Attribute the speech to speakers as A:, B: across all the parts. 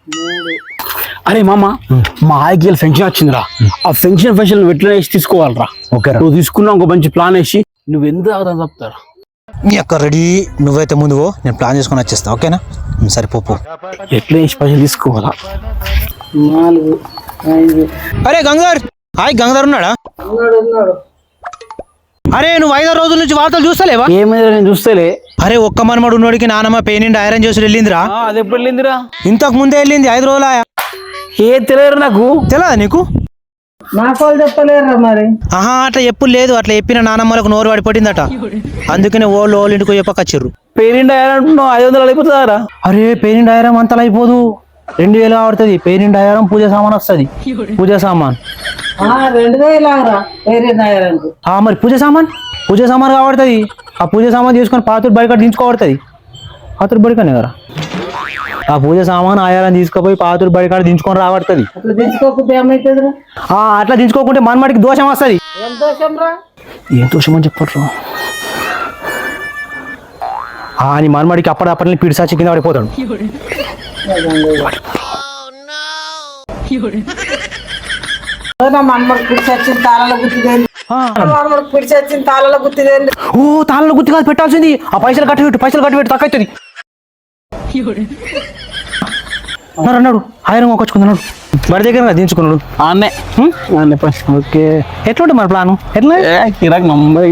A: అరే మామ మా ఆయికి ఫంక్షన్ వచ్చిందిరా. ఆ ఫంక్షన్ ఎట్లా వేసి తీసుకోవాలరా.
B: ఓకే
A: నువ్వు తీసుకున్నావు ఒక మంచి ప్లాన్ వేసి నువ్వు ఎంత అవుతావు చెప్తారా.
B: మీ అక్క రెడీ, నువ్వైతే ముందు నేను ప్లాన్ చేసుకొని వచ్చేస్తా. ఓకేనా? సరే పో.
A: ఎట్లా వేసి పైసలు తీసుకోవాలా.
C: 4 5.
B: అరే గంగాధర్, హాయ్ గంగాధర్ ఉన్నాడా? అరే నువ్వు 5 రోజుల నుంచి వార్తలు చూస్తలేవా?
A: ఏమైందిరా నేను చూస్తేలే.
B: అరే ఒక్క మనమడు ఉన్నోడికి నానమ్మ పేనిండి ఐరన్ చేసి వెళ్ళిందిరా.
A: అది ఎప్పుడు వెళ్ళిందిరా?
B: ఇంతకు ముందే వెళ్ళింది 5 రోజులు.
A: ఏ తెలియదు నాకు.
B: తెలియదా నీకు?
C: నాకు వాళ్ళు చెప్పలేరా మరి.
B: ఆహా అట్లా ఎప్పుడు లేదు. అట్లా చెప్పిన నానమ్మలకు నోరు పడిపోయిందట. అందుకనే ఓళ్ళు ఇంటికి చెప్పకచ్చిర్రు.
A: పేరిండి అంటున్నావు 500 అయిపోతుందారా?
B: అరే పేనిండి ఐరం అంతలా అయిపోదు, 2000 పడుతుంది. పేనిండి ఐరం పూజ సామాన్ వస్తుంది. పూజ సామాన్
C: 2000 ఆగరా వేరే నాయరంకు.
B: మరి పూజ సామాన్ కాబడుతుంది. ఆ పూజ సామాన్ తీసుకొని పాతుడు బడికాడ దించుకోబడుతుంది. పాతుడు బడికనే కదా ఆ పూజ సామాన్ ఆయాలని తీసుకుపోయి పాతుడు బడికాడ దించుకొని రాబడుతుంది.
C: అట్లా దించుకోకపోతే ఏమైతుందిరా?
B: అట్లా దించుకోకుంటే మనమడికి దోషం వస్తుంది.
C: ఏం దోషం రా?
A: ఏం దోషం అని చెప్పట్రా.
B: అని మనమడికి అప్పటిని పిడిసాచి కింద పడిపోతాడు.
C: మనమడు పిడిచొచ్చిన తాళాల గుర్తుదేంది? మనమడు పిడిచొచ్చిన తాళాల గుర్తుదేంది?
B: ఓ తాళ్ళ గుర్తు కాదు పెట్టాల్సింది. ఆ పైసలు కట్టబెట్టు తక్కువవుతుంది అన్నాడు. ఆయిరం ఒక్కొచ్చుకున్నాడు బడి దగ్గర దించుకున్నాడు.
A: ఆన్నే ఓకే.
B: ఎట్లుంటే మన ప్లాను? ఎట్లా
A: కిరాక్ నంబర్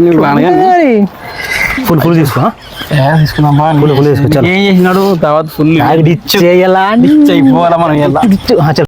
B: ఫుల్ తీసుకో.
A: తీసుకున్నాం.
B: ఫుల్ తీసుకో.
A: ఏం చేసినాడు తర్వాత ఫుల్
B: డిచ్ చేయాలా?
A: అయిపోవాలా మనం.